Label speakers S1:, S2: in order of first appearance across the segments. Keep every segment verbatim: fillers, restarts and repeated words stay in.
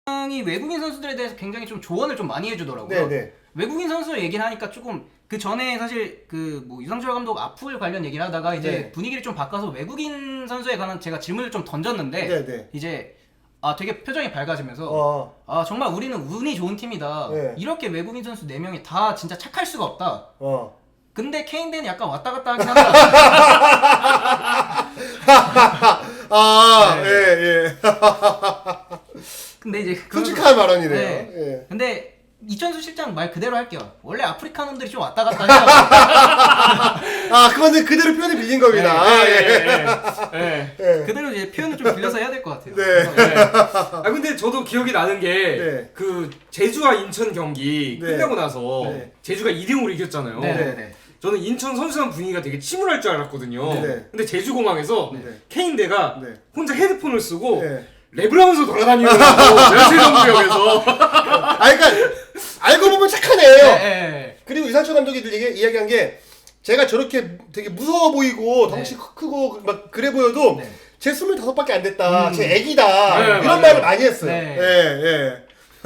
S1: 이 외국인 선수들에 대해서 굉장히 좀 조언을 좀 많이 해주더라고요.
S2: 네네.
S1: 외국인 선수 얘기를 하니까 조금 그 전에 사실 그 뭐 유상철 감독 아플 관련 얘기를 하다가 이제
S2: 네.
S1: 분위기를 좀 바꿔서 외국인 선수에 관한 제가 질문을 좀 던졌는데
S2: 네네.
S1: 이제 아 되게 표정이 밝아지면서
S2: 어.
S1: 아 정말 우리는 운이 좋은 팀이다.
S2: 네.
S1: 이렇게 외국인 선수 네 명이 다 진짜 착할 수가 없다.
S2: 어.
S1: 근데 케인대는 약간 왔다 갔다 하긴 한다.
S2: 아,
S1: 네.
S2: 예, 예.
S1: 근데 이제
S2: 솔직한 발언이네요.
S1: 네.
S2: 예.
S1: 근데 이천수 실장 말 그대로 할게요. 원래 아프리카 놈들이 좀 왔다 갔다 해요.
S2: 아, 그거는 그대로 표현을 빌린 겁니다. 아, 예.
S1: 네.
S2: 예.
S1: 그대로 이제 표현을 좀 빌려서 해야 될 것 같아요.
S2: 네.
S1: 그래서, 네.
S3: 아 근데 저도 기억이 나는 게 그
S2: 네.
S3: 제주와 인천 경기
S2: 네.
S3: 끝나고 나서
S2: 네.
S3: 제주가 이 대 영으로 이겼잖아요.
S1: 네. 네. 네.
S3: 저는 인천 선수단 분위기가 되게 침울할 줄 알았거든요.
S2: 네.
S3: 근데 제주공항에서
S2: 네.
S3: 케인대가
S2: 네.
S3: 혼자 헤드폰을 쓰고
S2: 네.
S3: 랩을 하면서 돌아다니더라고. 연세정구역에서.
S2: 아, 그러니까 알고 보면 착하네요.
S1: 네, 네.
S2: 그리고 이상철 감독이 얘기, 이야기한 게 제가 저렇게 되게 무서워 보이고 덩치
S1: 네.
S2: 크고 막 그래 보여도
S1: 네.
S2: 제 스물다섯밖에 안 됐다.
S1: 음.
S2: 제 애기다.
S3: 네,
S2: 이런
S3: 맞아요.
S2: 말을 많이 했어요.
S1: 네.
S2: 예, 예.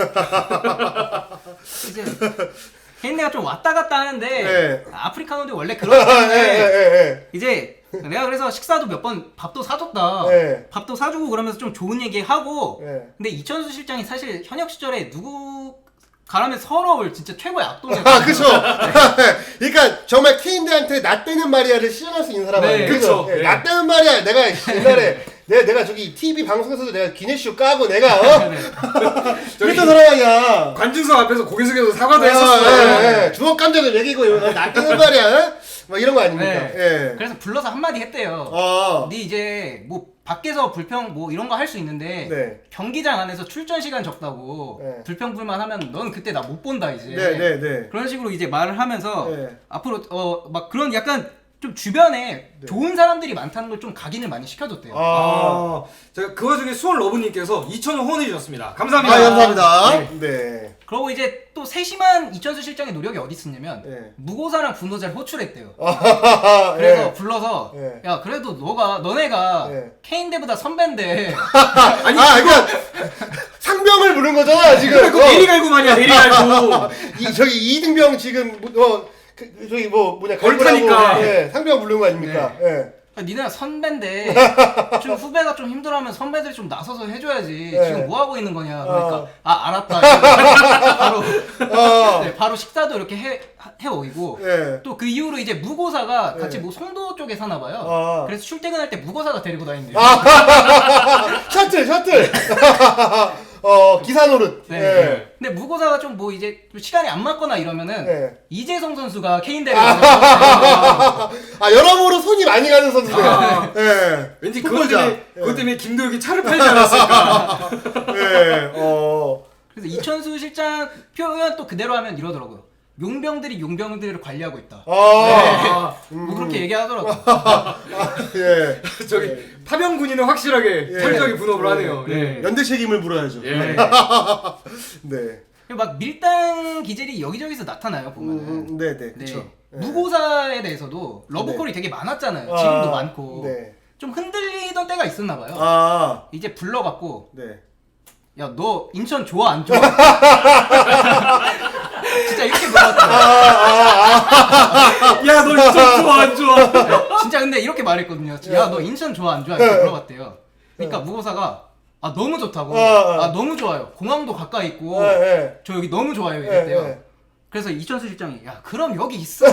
S1: 이제 케인대가 좀 왔다 갔다 하는데
S2: 네.
S1: 아프리카 놈들이 원래 그렇기
S2: 예,
S1: 때문에
S2: 예, 예.
S1: 이제 내가 그래서 식사도 몇 번 밥도 사줬다.
S2: 네.
S1: 밥도 사주고 그러면서 좀 좋은 얘기 하고.
S2: 네.
S1: 근데 이천수 실장이 사실 현역 시절에 누구 가라면 서러울 진짜 최고의 악동이었거든요.
S2: 아, 그쵸. 그러니까 정말 케인대한테 나 때는 말이야를 시연할 수 있는 사람
S1: 네,
S2: 아니에요.
S3: 그쵸.
S2: 예,
S3: 네.
S2: 나 때는 말이야. 내가 옛날에 내가, 내가 저기 티비 방송에서도 내가 기내쇼 까고 내가 어?
S1: 네.
S2: 그랬던 사람 아니야.
S3: 관중석 앞에서 고개 숙여서 사과도
S2: 아,
S3: 했었어요.
S2: 예, 예. 주먹 감정을 먹이고 이거 나 때는 말이야. 어? 막 이런 거 아닙니까?
S1: 네.
S2: 예.
S1: 그래서 불러서 한마디 했대요.
S2: 어.
S1: 네 이제 뭐 밖에서 불평 뭐 이런 거 할 수 있는데
S2: 네.
S1: 경기장 안에서 출전 시간 적다고
S2: 네.
S1: 불평불만 하면 넌 그때 나 못 본다 이제.
S2: 네, 네, 네.
S1: 그런 식으로 이제 말을 하면서
S2: 네.
S1: 앞으로 어 막 그런 약간 좀 주변에
S2: 네.
S1: 좋은 사람들이 많다는 걸 좀 각인을 많이 시켜줬대요.
S2: 아.
S3: 아, 제가 그 와중에 수원 러브님께서 이천 원 후원해 주셨습니다. 감사합니다.
S2: 아, 감사합니다.
S1: 네.
S2: 네.
S1: 그리고 이제 또 세심한 이천수 실장의 노력이 어디 있었냐면
S2: 네.
S1: 무고사랑 분노자를 호출했대요.
S2: 아,
S1: 그래서
S2: 예.
S1: 불러서
S2: 네.
S1: 야 그래도 너가 너네가
S2: 네.
S1: 케인대보다 선배인데
S2: 아니, 아, 그러니까 상병을 부른 거잖아, 지금.
S3: 그거 내리갈고만이야 내리갈고.
S2: 이 저기 이등병 지금 어 그, 저기 뭐 뭐냐
S3: 걸타니까.
S2: 갈고라고, 예, 상병 부른 거 아닙니까? 예.
S1: 니네가 선배인데 좀 후배가 좀 힘들어하면 선배들이 좀 나서서 해줘야지.
S2: 네.
S1: 지금 뭐 하고 있는 거냐. 그러니까
S2: 어.
S1: 아 알았다. 바로
S2: 어.
S1: 네, 바로 식사도 이렇게 해 해오이고
S2: 예.
S1: 또 그 이후로 이제 무고사가
S2: 네.
S1: 같이 뭐 송도 쪽에 사나 봐요.
S2: 아.
S1: 그래서 출퇴근할 때 무고사가 데리고 다닌대요.
S2: 셔틀 셔틀. 어 기사 노릇.
S1: 네.
S2: 예.
S1: 근데 무고사가 좀 뭐 이제 좀 시간이 안 맞거나 이러면은
S2: 네.
S1: 이재성 선수가 케인대를
S2: 아 여러모로 손이 많이 가는 선수들.
S3: 아.
S2: 예.
S3: 왠지 그것
S2: 풋볼자.
S3: 때문에 그것 때문에 김도혁이 차를 팔지 않았을까.
S2: 예. 어.
S1: 그래서 이천수 실장 표현 또 그대로 하면 이러더라고요. 용병들이 용병들을 관리하고 있다.
S2: 아.
S1: 뭐 그렇게 얘기하더라고요.
S2: 예.
S3: 저기
S2: 예.
S3: 파병 군인은 확실하게
S2: 예.
S3: 철저하게 분업을
S2: 예.
S3: 하네요. 예.
S2: 연대 책임을 물어야죠.
S3: 예.
S2: 네.
S1: 막 밀당 기질이 여기저기서 나타나요 보면은.
S2: 음, 네, 네.
S1: 네.
S2: 그렇죠.
S1: 무고사에 대해서도 러브콜이 되게 많았잖아요.
S2: 아,
S1: 지금도 많고.
S2: 네.
S1: 좀 흔들리던 때가 있었나 봐요.
S2: 아.
S1: 이제 불러갖고
S2: 네.
S1: 야 너 인천 좋아 안 좋아? 진짜 이렇게 물어봤어요.
S3: 야, 너 인천 좋아 안 좋아?
S1: 진짜 근데 이렇게 말했거든요. 야 너 인천 좋아 안 좋아? 이렇게 물어봤대요. 그러니까 무고사가 아 너무 좋다고.
S2: 어, 어.
S1: 아 너무 좋아요. 공항도 가까이 있고
S2: 예, 예.
S1: 저 여기 너무 좋아요 이랬대요.
S2: 예, 예.
S1: 그래서 이천수 실장이 야 그럼 여기 있어.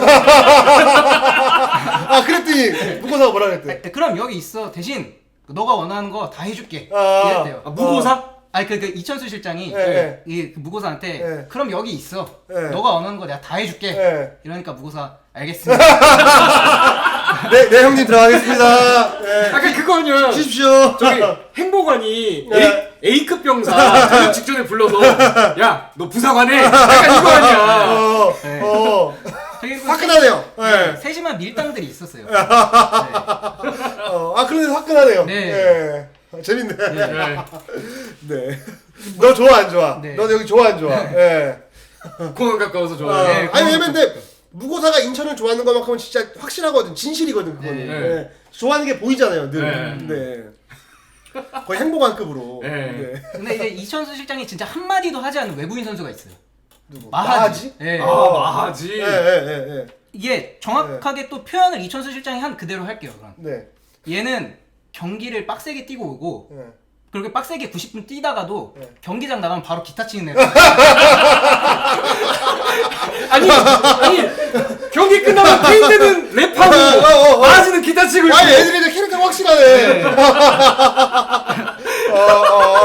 S2: 아, 그랬더니 무고사가 뭐라 그랬대?
S1: 아, 그럼 여기 있어. 대신 너가 원하는 거 다 해줄게.
S2: 아.
S1: 이랬대요.
S3: 아, 무고사?
S1: 아니 그, 그 이천수 실장이
S2: 예, 예.
S1: 이 그 무고사한테
S2: 예.
S1: 그럼 여기 있어.
S2: 예.
S1: 너가 원하는 거 내가 다 해줄게.
S2: 예.
S1: 이러니까 무고사 알겠습니다.
S2: 네, 네 형님 들어가겠습니다. 네.
S3: 아까 그거 아니야.
S2: 쉬십시오.
S3: 저기 행보관이
S2: 네.
S3: A, A급 병사 저녁 직전에 불러서 야, 너 부사관해. 약간 이거 아니야.
S2: 어,
S1: 네.
S2: 어,
S1: 되게 그
S2: 화끈하네요.
S1: 세-
S2: 네.
S1: 세심한 밀당들이 있었어요. 네.
S2: 어, 아, 그런데 화끈하네요.
S1: 네.
S2: 네. 아, 재밌네.
S3: 네.
S2: 네. 너 좋아, 안 좋아?
S1: 네.
S2: 너 여기 좋아, 안 좋아? 네.
S3: 공항 가까워서
S2: 어,
S3: 좋아해.
S1: 네,
S2: 아니,
S1: 그건
S2: 왜냐면 근데 무고사가 인천을 좋아하는 것만큼은 진짜 확실하거든. 진실이거든, 그거는.
S1: 네.
S2: 네. 좋아하는 게 보이잖아요, 늘.
S3: 네.
S2: 네. 거의 행복한급으로.
S3: 네.
S2: 네.
S1: 근데 이제 이천수 실장이 진짜 한마디도 하지 않은 외국인 선수가 있어요.
S2: 누구?
S1: 마하지. 예.
S3: 아 마하지.
S2: 예, 예, 예, 예.
S1: 이게 정확하게 또 표현을 이천수 실장이 한 그대로 할게요. 그럼
S2: 네.
S1: 얘는 경기를 빡세게 뛰고 오고
S2: 네.
S1: 그렇게 빡세게 구십 분 뛰다가도
S2: 네.
S1: 경기장 나가면 바로 기타 치는 애.
S3: 아니 아니 경기 끝나면 케인대는 랩하고
S2: 어, 어, 어.
S3: 마하지는 기타 치고 있고.
S2: 아니 애들이 이제 캐릭터가 확실하네. 어, 어.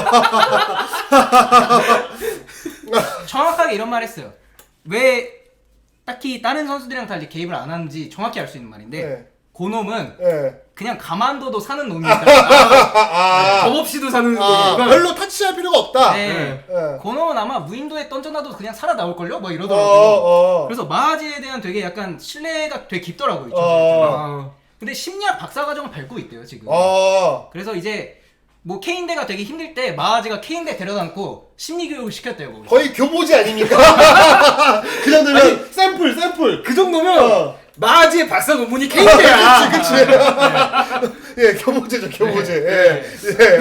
S1: 정확하게 이런 말 했어요. 왜 딱히 다른 선수들이랑 달리 개입을 안 하는지 정확히 알 수 있는 말인데
S2: 네.
S1: 고놈은
S2: 예.
S1: 그냥 가만둬도 사는 놈이니까.
S2: 아,
S3: 법 없이도 사는
S2: 아,
S3: 거구나.
S2: 별로 타치할 필요가 없다.
S1: 네.
S2: 예.
S1: 고놈은 아마 무인도에 던져놔도 그냥 살아 나올걸요? 뭐
S2: 어,
S1: 이러더라고.
S2: 어.
S1: 그래서 마하지에 대한 되게 약간 신뢰가 되게 깊더라고요. 이천수
S2: 어.
S1: 실장이.
S3: 아,
S1: 근데 심리학 박사과정을 밟고 있대요 지금.
S2: 어.
S1: 그래서 이제 뭐 케인대가 되게 힘들 때 마하지가 케인대 데려다놓고 심리교육을 시켰대요. 거기서.
S2: 거의 교보지 아닙니까? 그 정도면
S3: 아니,
S2: 샘플, 샘플.
S3: 그 정도면
S2: 어.
S3: 마하지의 박사 논문이 케인대야.
S2: 그치, 그치. 예, 교보제죠, 교보제.
S3: 네.
S2: 예, 예.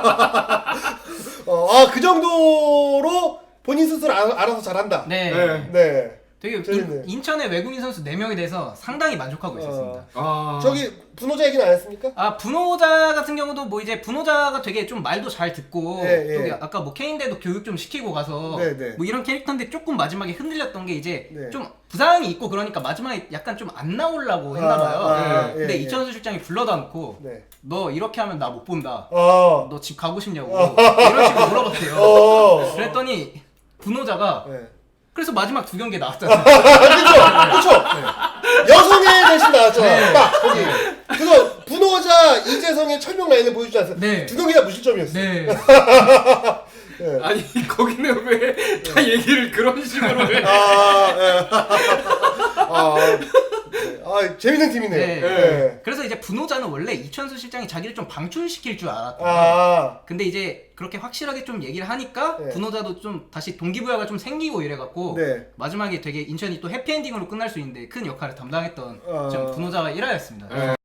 S2: 어, 아, 그 정도로 본인 스스로 알, 알아서 잘한다.
S1: 네.
S3: 네.
S2: 네.
S1: 되게
S2: 재밌네.
S1: 인, 인천의 외국인 선수 네 명에 대해서 상당히 만족하고 있었습니다.
S3: 아,
S2: 저기 분호자 얘기는 안 했습니까?
S1: 아 분호자 같은 경우도 뭐 이제 분호자가 되게 좀 말도 잘 듣고
S2: 예, 예.
S1: 또 아까 뭐 케인대도 교육 좀 시키고 가서
S2: 네, 네.
S1: 뭐 이런 캐릭터인데 조금 마지막에 흔들렸던 게 이제
S2: 네.
S1: 좀 부상이 있고 그러니까 마지막에 약간 좀 안 나오려고 했나봐요.
S2: 아, 아,
S3: 네.
S2: 예,
S1: 근데
S2: 예.
S1: 이천수 실장이 불러다 놓고
S2: 네.
S1: 너 이렇게 하면 나 못 본다.
S2: 어.
S1: 너 집 가고 싶냐고 이런 식으로 물어봤대요.
S2: 어.
S1: 그랬더니 분호자가
S2: 네.
S1: 그래서 마지막 두 경기에 나왔잖아요.
S2: 그쵸, 그쵸. 여성의 대신 나왔잖아. 딱, 거기. 그래서 분호자 이재성의 철명 라인을 보여주지 않았어요?
S1: 네.
S2: 두 경기 다 무실점이었어요.
S1: 네.
S2: 네.
S3: 아니 거기는 왜 다 얘기를 그런 식으로 해?
S2: 아, 예. 아, 네. 아, 재밌는 팀이네요.
S1: 네.
S2: 네.
S1: 그래서 이제 분호자는 원래 이천수 실장이 자기를 좀 방출시킬 줄 알았던
S2: 아,
S1: 근데 이제 그렇게 확실하게 좀 얘기를 하니까
S2: 네.
S1: 분호자도 좀 다시 동기부여가 좀 생기고 이래갖고
S2: 네.
S1: 마지막에 되게 인천이 또 해피엔딩으로 끝날 수 있는데 큰 역할을 담당했던
S2: 어.
S1: 좀 분호자가 일 화였습니다.
S3: 네.